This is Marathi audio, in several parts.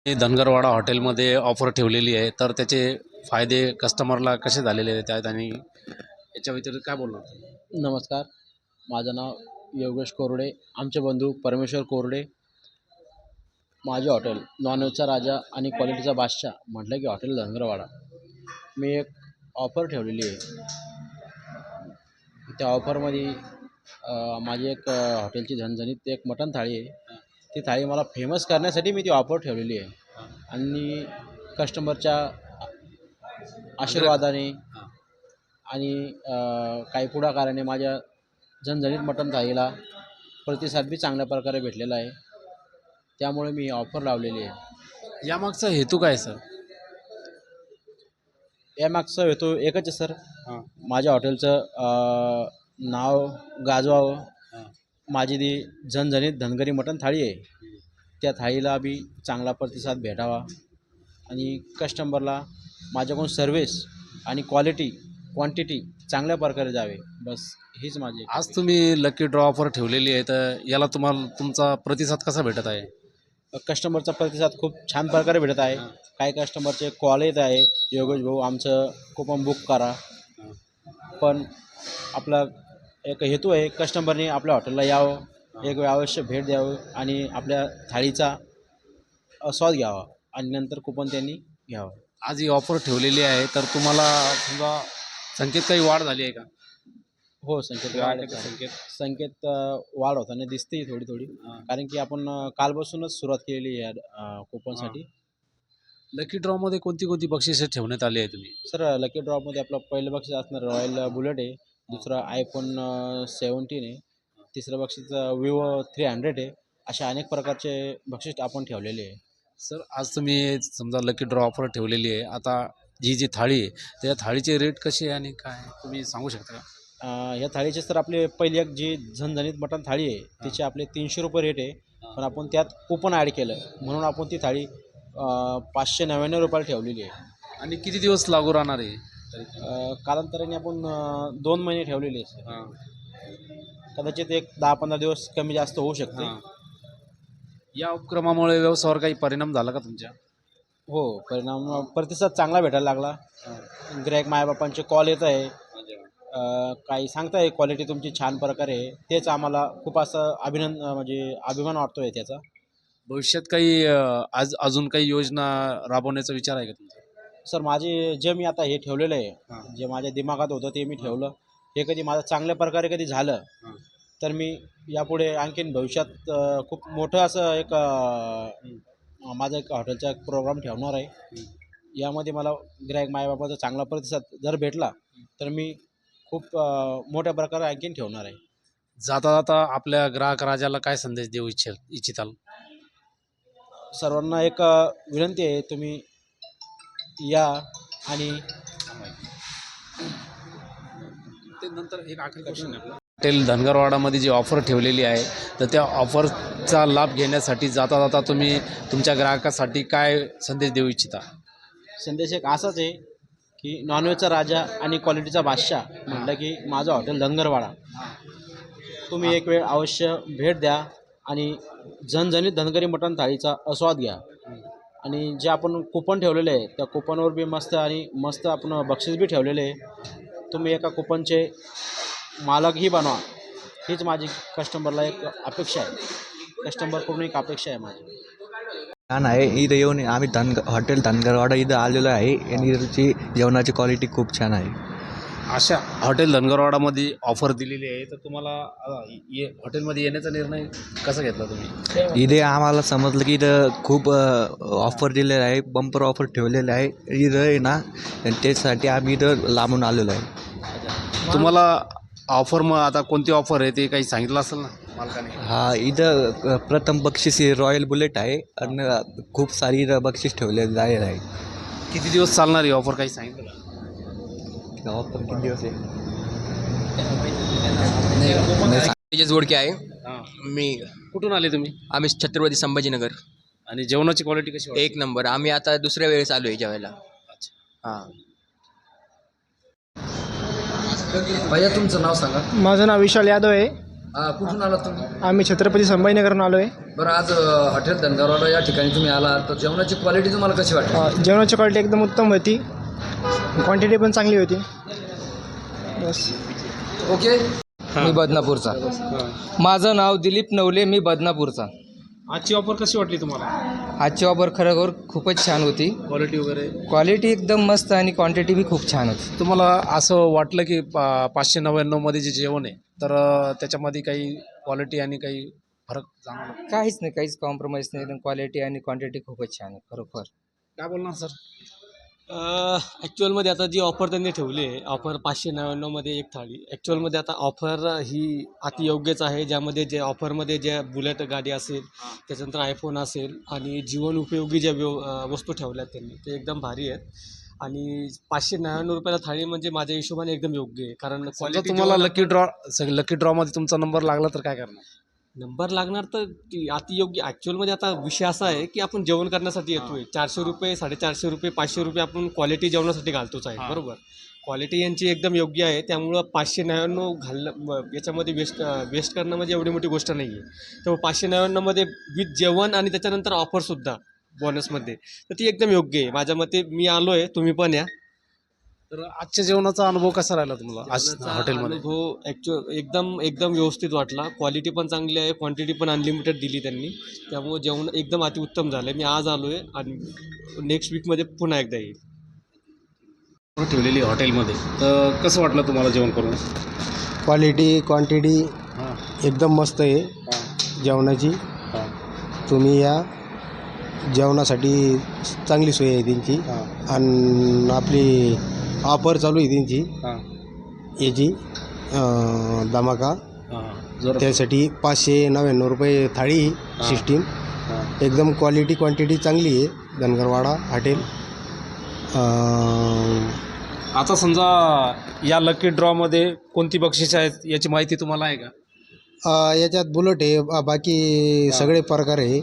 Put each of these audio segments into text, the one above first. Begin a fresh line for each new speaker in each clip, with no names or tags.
मी धनगरवाडा हॉटेलमध्ये ऑफर ठेवलेली आहे, तर त्याचे फायदे कस्टमरला कसे झालेले आहेत आणि याच्या व्यतिरिक्त काय बोलणार तुम्ही?
नमस्कार. माझं नाव योगेश कोरडे. आमचे बंधू परमेश्वर कोरडे. माझे हॉटेल नॉनव्हेजचा राजा आणि क्वालिटीचा बादशाह म्हटलं की हॉटेल धनगरवाडा. मी एक ऑफर ठेवलेली आहे. त्या ऑफरमध्ये माझी एक हॉटेलची झणझणीत एक मटण थाळी आहे. ती थाळी मला फेमस करण्यासाठी मी ती ऑफर ठेवलेली आहे आणि कस्टमरच्या आशीर्वादाने
हां.
आणि काही पुढाकाराने माझ्या झणझणीत मटण थाळीला प्रतिसाद बी चांगल्या प्रकारे भेटलेला आहे. त्यामुळे मी ही ऑफर लावलेली आहे.
यामागचा हेतू काय सर?
यामागचा हेतू एकच आहे सर.
हां.
माझ्या हॉटेलचं नाव गाजवावं.
हां.
माझी ती झणझणीत धनगरी मटण थाळी आहे. त्या थाळीला बी चांगला प्रतिसाद भेटावा आणि कस्टमरला माझ्याकडून सर्व्हिस आणि क्वांटिटी चांगल्या प्रकारे जावे. बस हीच माझी एक
आज
अपेक्षा.
तुम्ही लकी ड्रॉ ऑफर ठेवलेली आहे, तर याला तुम्हाला तुमचा प्रतिसाद कसा भेटत आहे?
कस्टमरचा प्रतिसाद खूप छान प्रकारे भेटत आहे.
हां.
काही कस्टमरचे कॉल येत आहे, योगेश भाऊ आमचं कुपन बुक करा.
हां.
पण आपला एक हेतू आहे, कस्टमरने आपल्या हॉटेलला यावं,
हां.
एक वेळ अवश्य भेट द्यावं आणि आपल्या थाळीचा स्वाद घ्यावा आणि नंतर कुपन त्यांनी घ्यावं.
आज ही ऑफर ठेवलेली आहे, तर तुम्हाला समजा संख्येत काही वाढ झाली आहे का?
हो, संकेत वाढ
ग्राहकांच्या
आहे.
संख्येत?
संकेत वाढ होताना दिसते थोडी.
हां.
कारण की आपण कालपासूनच सुरुवात केलेली आहे कुपनसाठी.
लकी ड्रॉमध्ये कोणती बक्षिसे ठेवण्यात आली आहे तुम्ही?
सर लकी ड्रॉपमध्ये आपलं पहिलं बक्षीस असणार रॉयल बुलेट आहे, दुसरं iPhone 17 आहे, तिसरं बक्षीस Vivo 300 आहे. अशा अनेक प्रकारचे बक्षीस आपण ठेवलेले आहे.
सर, आज तुम्ही समजा लकी ड्रॉ ऑफर ठेवलेली आहे. आता जी थाळी आहे, त्या थाळीचे रेट कसे आहे आणि काय तुम्ही सांगू शकता का?
या थाळीचे सर आपले पहिली एक जी झणझणीत मटण थाळी आहे तिचे आपले ₹300 रेट आहे. पण आपण त्यात कुपन ॲड केलं म्हणून आपण ती थाळी ₹599 ठेवलेली आहे.
आणि किती दिवस लागू राहणार आहे?
कालांतराने आपण 2 महिने ठेवलेली आहे सर.
हां.
कदाचित एक 10-15 दिवस कमी जास्त होऊ शकते.
हां. या उपक्रमामुळे व्यवसायावर काही परिणाम झाला का तुमच्या?
हो, प्रतिसाद चांगला भेटायला लागला. गिऱ्हाईक मायबापांचे कॉल येत आहे. काही सांगताय क्वालिटी तुमची छान प्रकारे आहे. तेच आम्हाला खूप असं म्हणजे अभिमान वाटतो आहे त्याचा.
भविष्यात काही आज अजून काही योजना राबवण्याचा विचार आहे का तुमचा?
सर जे मी आता हे ठेवलेलं आहे,
हां.
जे माझ्या दिमागात होतं ते मी ठेवलं. हे कधी माझं चांगल्या प्रकारे कधी झालं,
हां.
तर मी यापुढे आणखीन भविष्यात खूप मोठं असं एक माझा एक हॉटेलचा एक प्रोग्राम ठेवणार आहे. यामध्ये मला गिऱ्हाईक मायबापाचा चांगला प्रतिसाद जर भेटला, तर मी खूप मोठ्या प्रकारे आणखीन ठेवणार आहे.
जाता जाता आपल्या ग्राहक राजाला काय संदेश देऊ इच्छिताल?
सर्वांना एक विनंती आहे, तुम्ही या आणि
ते नंतर एक आखरी क्वेश्चन आहे आपला. हॉटेल धनगरवाडामध्ये जी ऑफर ठेवलेली आहे, तर त्या ऑफरचा लाभ घेण्यासाठी जाता जाता तुम्ही तुमच्या ग्राहकासाठी काय संदेश देऊ इच्छिता?
संदेश एक असाच आहे, की नॉनव्हेजचा राजा आणि क्वालिटीचा बादशाह म्हटलं की माझं हॉटेल धनगरवाडा. तुम्ही एक वेळ अवश्य भेट द्या आणि झणझणीत धनगरी मटण थाळीचा आस्वाद घ्या. आणि जे आपण कुपन ठेवलेले आहे, त्या कुपनवर बी मस्त आपण बक्षीस बी ठेवलेले आहे. तुम्ही एका कुपनचे मालकही बनवा. हीच माझी कस्टमरला एक अपेक्षा आहे. कस्टमरकडून एक अपेक्षा आहे माझी.
छान आहे. इथं येऊन आम्ही हॉटेल धनगरवाडा इथं आलेलो आहे आणि इथची जेवणाची क्वालिटी खूप छान आहे.
अशा हॉटेल धनगरवाडामध्ये ऑफर दिलेली आहे, तर तुम्हाला हॉटेलमध्ये येण्याचा निर्णय कसा घेतला तुम्ही?
इथे आम्हाला समजलं की इथं खूप ऑफर दिलेलं आहे, बंपर ऑफर ठेवलेलं आहे इथं आहे ना, आणि त्यासाठी आम्ही इथं लांबून आलेलो आहे.
तुम्हाला ऑफर मग आता कोणती ऑफर आहे ते काही सांगितलं असेल ना मालकाने?
हा, इथं प्रथम बक्षीस हे रॉयल बुलेट आहे आणि खूप सारी इथं बक्षीस ठेवलेलं आहे.
किती दिवस चालणार ही ऑफर काही सांगितलं का?
ऑफर किती दिवस आहे?
तेजस गोडके आहे.
हां.
मी
कुठून आले तुम्ही?
आम्ही छत्रपती संभाजीनगर.
आणि जेवणाची क्वालिटी कशी वाटते?
एक नंबर. आम्ही आता दुसऱ्या वेळेस आलो आहे जेवायला.
अच्छा.
हां.
भैया तुमचं नाव सांगा.
माझं नाव विशाल यादव आहे. कुठून आलात तुम्ही?
आम्ही छत्रपती संभाजीनगरहून आलो आहे.
बरं, आज हॉटेल धनगरवाडा या ठिकाणी तुम्ही आला, तर जेवणाची क्वालिटी तुम्हाला कशी वाटते?
जेवणाची क्वालिटी एकदम उत्तम होती, क्वांटिटी पण चांगली होती. बस.
ओके.
मी बदनापूरचा. माझं नाव दिलीप नवले, मी बदनापूरचा.
आजची ऑफर कशी वाटली तुम्हाला?
आजची ऑफर खरोखर खूपच छान होती.
क्वालिटी वगैरे
क्वालिटी एकदम मस्त आणि क्वांटिटी बी खूप छान होती.
तुम्हाला असं वाटलं की 599 मध्ये जे जेवण आहे तर त्याच्यामध्ये काही क्वालिटी आणि काही फरक जाणवला?
काहीच नाही, काहीच कॉम्प्रोमाइज नाही. एकदम क्वालिटी आणि क्वांटिटी खूपच छान आहे खरोखर.
काय बोलणार सर?
ॲक्च्युअलमध्ये आता जी ऑफर त्यांनी ठेवली आहे, ऑफर 599मध्ये एक थाळी, ॲक्च्युअलमध्ये आता ऑफर ही अति योग्यच आहे. ज्यामध्ये जे ऑफरमध्ये ज्या बुलेट गाडी असेल, त्याच्यानंतर आयफोन असेल आणि जीवन उपयोगी ज्या वस्तू ठेवल्यात त्यांनी, ते एकदम भारी आहेत. आणि 599 रुपयाला थाळी म्हणजे माझ्या हिशोबाने एकदम योग्य आहे. कारण
समजा
क्वालिटी
तुम्हाला लकी ड्रॉमध्ये तुमचा नंबर लागला तर काय करणार?
नंबर लागणार तर अतियोग्य. ॲक्च्युअलमध्ये आता विषय असा आहे की आपण जेवण करण्यासाठी येतोय. 400 रुपये, 450 रुपये, 500 रुपये आपण क्वालिटी जेवणासाठी घालतोच आहे. बरोबर. क्वालिटी यांची एकदम योग्य आहे. त्यामुळं 599 याच्यामध्ये वेस्ट करणं म्हणजे एवढी मोठी गोष्ट नाही आहे. त्यामुळे 599मध्ये विथ जेवण आणि त्याच्यानंतर ऑफरसुद्धा बोनसमध्ये, तर ती एकदम योग्य आहे माझ्या मते. मी आलो आहे, तुम्ही पण या.
तर आजच्या जेवणाचा अनुभव कसा राहिला तुम्हाला आज हॉटेलमध्ये?
अनुभव एकदम व्यवस्थित वाटला. क्वालिटी पण चांगली आहे, क्वांटिटी पण अनलिमिटेड दिली त्यांनी. त्यामुळे जेवण एकदम अतिउत्तम झालं आहे. मी आज आलो आहे आणि नेक्स्ट वीकमध्ये पुन्हा एकदा येईल.
ठेवलेली हॉटेलमध्ये तर कसं वाटलं तुम्हाला जेवण करून?
क्वालिटी क्वांटिटी एकदम मस्त आहे जेवणाची. तुम्ही या, जेवणासाठी चांगली सोय आहे त्यांची. आणि आपली ऑफर चालू आहे त्यांची याची धमाका, त्यासाठी 599 रुपये थाळी सिस्टीम. एकदम क्वालिटी क्वांटिटी चांगली आहे धनगरवाडा हॉटेल.
आता समजा या लकी ड्रॉमध्ये कोणती बक्षिसे आहेत याची माहिती तुम्हाला आहे का?
याच्यात बुलेट आहे, बाकी सगळे प्रकार आहे.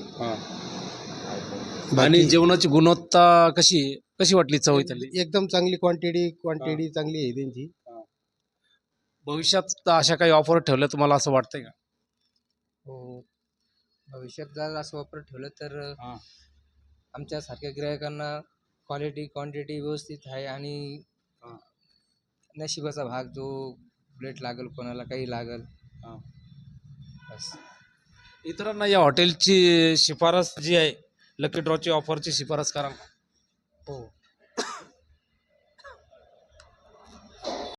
आणि जेवणाची गुणवत्ता कशी वाटली? चव इथली
एकदम चांगली, क्वांटिटी चांगली आहे त्यांची.
भविष्यात अशा काही ऑफर ठेवल्या तुम्हाला असं वाटतंय का?
हो, भविष्यात जर असं वापर ठेवलं तर आमच्यासारख्या ग्राहकांना क्वालिटी क्वांटिटी व्यवस्थित आहे. आणि नशिबाचा भाग, जो प्लेट लागेल, कोणाला काही लागेल. बस.
इतरांना या हॉटेलची शिफारस जी आहे, लकी ड्रॉची ऑफरची शिफारस करा.
हो,